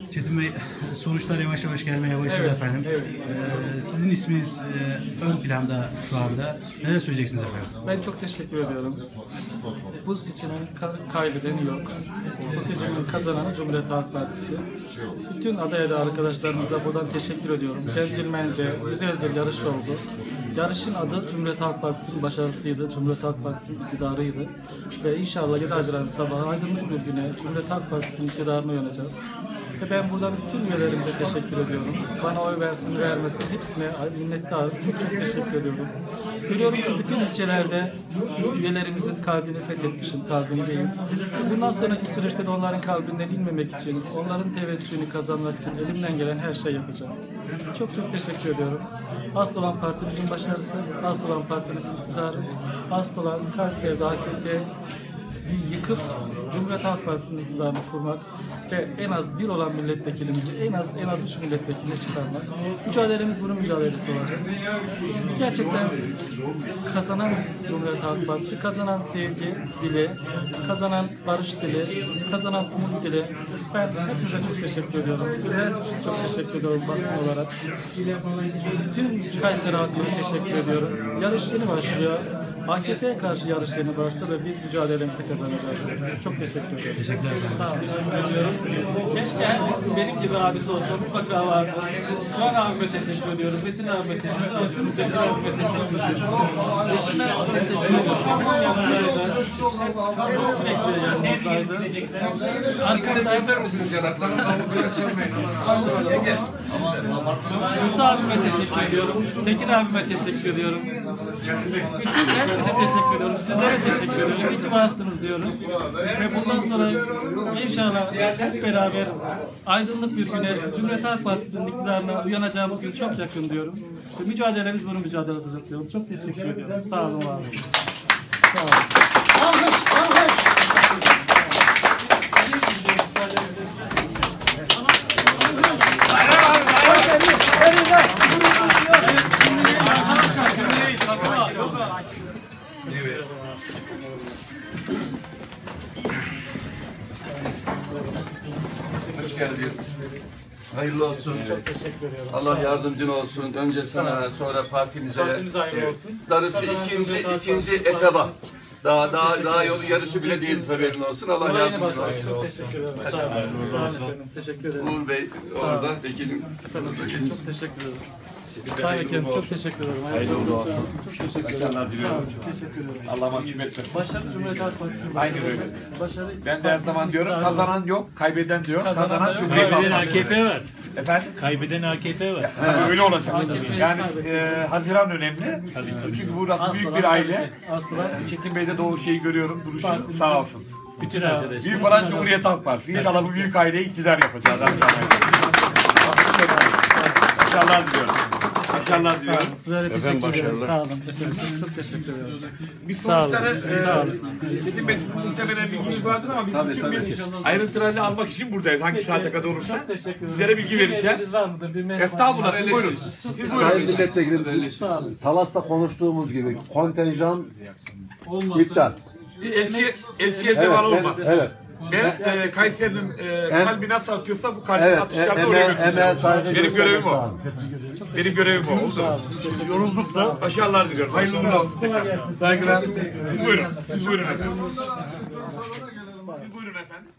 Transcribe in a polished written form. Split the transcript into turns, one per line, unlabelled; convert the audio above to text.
Çetin Bey, sonuçlar yavaş yavaş gelmeye başladı efendim.
Evet.
Sizin isminiz ön planda şu anda. Neler söyleyeceksiniz efendim?
Ben çok teşekkür ediyorum. Bu seçimin kaybedeni yok. Bu seçimin kazananı Cumhuriyet Halk Partisi. Bütün aday arkadaşlarımıza buradan teşekkür ediyorum. Centilmence güzel bir yarış oldu. Yarışın adı Cumhuriyet Halk Partisi'nin başarısıydı. Cumhuriyet Halk Partisi'nin iktidarıydı. Ve inşallah 7 Haziran sabahı aydınlık bir güne Cumhuriyet Halk Partisi'nin iktidarına uyanacağız. Ve ben buradan bütün üyelerimize teşekkür ediyorum. Bana oy versin, vermesin hepsine minnettarım. Çok teşekkür ediyorum. Görüyorum ki bütün ilçelerde üyelerimizin kalbini fethetmişim, kalbindeyim. Bundan sonraki süreçte de onların kalbinden inmemek için, onların teveccühünü kazanmak için elimden gelen her şeyi yapacağım. Çok teşekkür ediyorum. Asıl olan partimizin başarısı, asıl olan partimizin iktidarı, asıl olan Kayseri'de AKP yıkıp Cumhuriyet Halk Partisi'nin iktidarını kurmak ve en az bir olan milletvekilimizi en az 3 milletvekiline çıkarmak. Mücadelemiz bunun mücadelesi olacak. Gerçekten kazanan Cumhuriyet Halk Partisi, kazanan sevgi dili, kazanan barış dili, kazanan umut dili. Ben hepinize çok teşekkür ediyorum. Sizlere çok teşekkür ediyorum basın olarak. Tüm Kayseri halkına teşekkür ediyorum. Yarış yeni başlıyor. AKP'ye karşı yarış yeni başladı ve biz mücadelemizi kazanacağız. Çok teşekkür ederim.
Teşekkürler.
Sağ olun. Keşke herkesin benim gibi abisi olsa mutlaka vardı. Can abime teşekkür ediyorum. Metin abime teşekkür ediyorum. Metin abime teşekkür ediyorum. Eşime teşekkür ediyorum. Onun yanındaydı. Sürekli yanımızdaydı.
Arkasına yapar mısınız yanaklarını?
Musa abime teşekkür ediyorum. Tekin abime teşekkür ediyorum. Bütün herkese teşekkür ediyorum. Sizlere teşekkür ediyorum. İyi ki varsınız diyorum. Ve bundan sonra inşallah hep beraber aydınlık bir güne Cumhuriyet Halk Partisi'nin iktidarına uyanacağımız gün çok yakın diyorum. Ve mücadelemiz bunun mücadelesi olacak diyorum. Çok teşekkür ediyorum. Sağ olun, var olun. Sağ olun.
Hoş geldin. Hayırlı olsun.
Çok teşekkür ediyorum.
Allah yardımcın olsun. Önce sana, sonra partimize.
Partimiz hayırlı olsun.
Darısı ikinci etaba. Daha yolu yarısı bile değil, haberin olsun. Allah yardımcın olsun.
Çok teşekkür ederim. Sağ olun. Sağ olun efendim. Teşekkür ederim.
Uğur Bey orada, vekilim.
Efendim, çok teşekkür ederim. Sayın Vekilim çok teşekkür ederim. Hayırlı olsun. Çok teşekkür ederim. Çok teşekkür ederim.
Allah mahcup etmesin.
Başarı Cumhuriyet Halk Partisi'nin
Aynı böyle.
Başarı.
Ben de her zaman diyorum, kazanan yok, kaybeden diyor.
Kazanan
Kazanan
yok.
Cumhuriyet Halk
Kaybeden
Partisi.
AKP var.
Efendim?
Kaybeden AKP var.
Tabii öyle olacak.
AKP 'yi
Yani
kaybettik.
Haziran önemli. Çünkü burası büyük bir aile.
Aslan.
Çetin Bey'de de o şeyi görüyorum, duruşu sağ olsun.
Bütün arkadaşlar.
Büyük olan Cumhuriyet Halk Partisi. İnşallah bu büyük aileyi iktidar yapacağız. İnşallah diliyorum. Başarılar diliyorum.
Sizlere teşekkür ederim. Sağ olun. Çok teşekkür ederim.
Biz
Sağ olun.
sonuçları,
Sağ olun.
Çetin Bey sizin muhtemelen bilginiz vardır ama biz bütün bir ayrıntılarını almak için buradayız. Hangi saate kadar olursa.
Çok teşekkür ederim.
Sizlere bilgi vereceğiz.
Bir var mıdır? Bir merhaba.
Estağfurullah, siz buyurun. Siz
Sayın
buyurun.
Milletvekilim, biz Talas'ta konuştuğumuz gibi kontenjan iptal.
Elçiye deval olmaz.
Evet.
Ben Kayseri'nin kalbi nasıl atıyorsa bu kalbin
Evet,
atışlarını oraya
emeğe
götüreceğim.
saygı
Benim
göstermek
görevim o.
lazım.
Benim görevim o. Oldu. Yorulduk da. Başarılar diliyorum. Hayırlı uğurlu olsun tekrar. Saygılar. Siz buyurun. Siz buyurun efendim. Siz buyurun efendim.